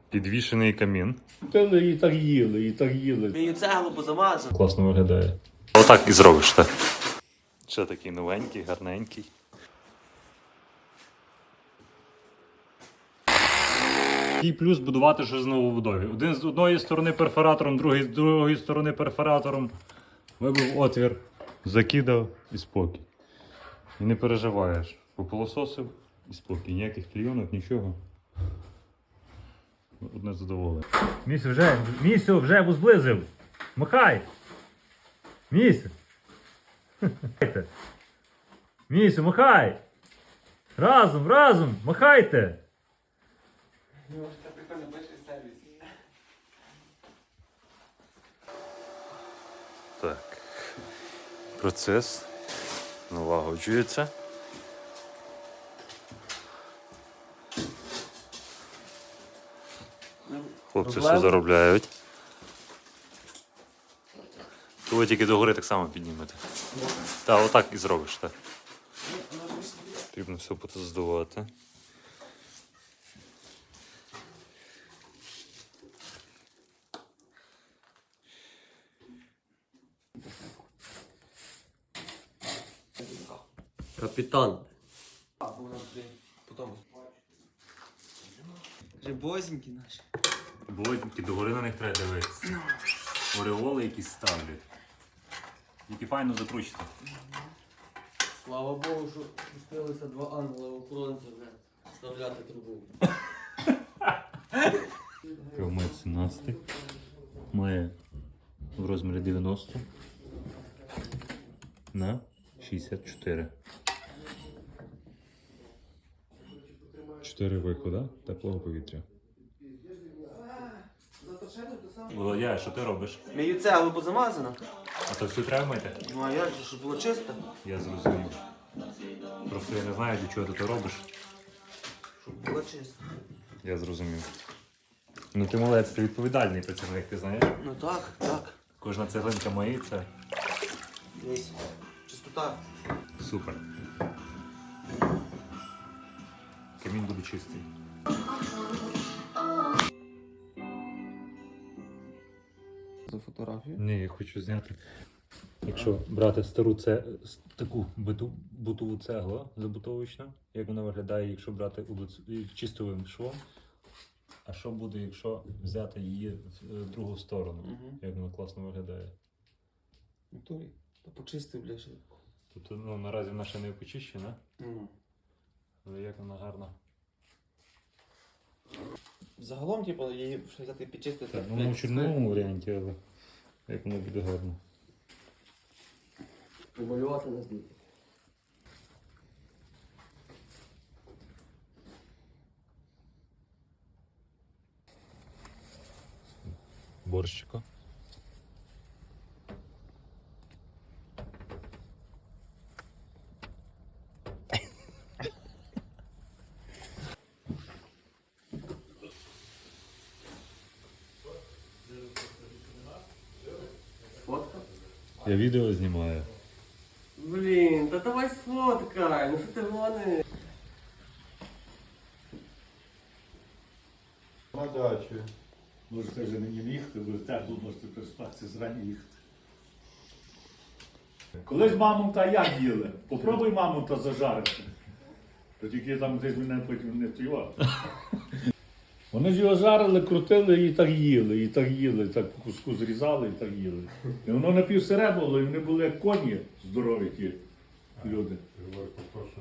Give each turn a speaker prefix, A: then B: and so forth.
A: Підвішений камін.
B: Пили і так їли, і так їли.
C: Мені цеглу позамазав.
A: Класно виглядає. Отак і зробиш, так? Ще такий новенький, гарненький. Який плюс будувати щось з новобудові. Один з одної сторони перфоратором, другий з другої сторони перфоратором. Вибив отвір, закидав і спокій. І не переживаєш. Попилососив і спокій. Ніяких клійонок, нічого. Одне задоволення. Місю вже зблизив. Махай! Місю! Місю, махай! Разом, махайте! Так. Процес налагоджується. Хлопці все заробляють. То ви тільки догори так само піднімете. Так, отак і зробиш, так. Потрібно все потоздувати.
C: Капітан. Рибозенькі наші.
A: Блодники, догори на них треба дивитися. Ореоли якісь ставлять. Які файно закручити.
C: Слава Богу, що пустилися два ангела-охоронця вставляти трубу.
A: Кавмет 17. Має в розмірі 90 на 64. 4 виходи теплого повітря. Володя, що ти робиш?
C: Мені цеглу позамазано.
A: А то все треба мити?
C: Ну а як же, щоб було чисто?
A: Я зрозумів. Просто я не знаю, для чого ти то робиш.
C: Щоб було чисто.
A: Я зрозумів. Ну ти молодець, ти відповідальний працівник, ти знаєш?
C: Ну так, так.
A: Кожна цеглинка миється.
C: Дивись. Чистота.
A: Супер. Камін буде чистий.
C: За фотографію?
A: Ні, я хочу зняти. Якщо брати стару таку бутову цеглу забутовочну, як вона виглядає, якщо брати чистовим швом. А що буде, якщо взяти її в другу сторону? Як вона класно виглядає.
C: Натурі. Та почистив, бля, ще.
A: Тобто, ну, наразі вона ще не почищена, але як вона гарна.
C: Загалом, типу, її ще взяти підчистити.
A: Так, ну, в чорновому варіанті, але як воно буде гарно.
C: Помалювати на дні.
A: Борщика.
C: Фотка?
A: Я відео знімаю.
C: Блін, та давай сфоткай, ну що ти гониш?
B: На дачі. Можете вже мені їхати, бо тепло можете переспатися зрані їхати. Колись мамонта як їли? Попробуй мамонта зажарити. То тільки там десь мене потім не втіло. Вони ж його жарили, крутили і так їли, і так їли, так по куску зрізали і так їли. І воно напівсире було, і вони були як коні здорові ті люди.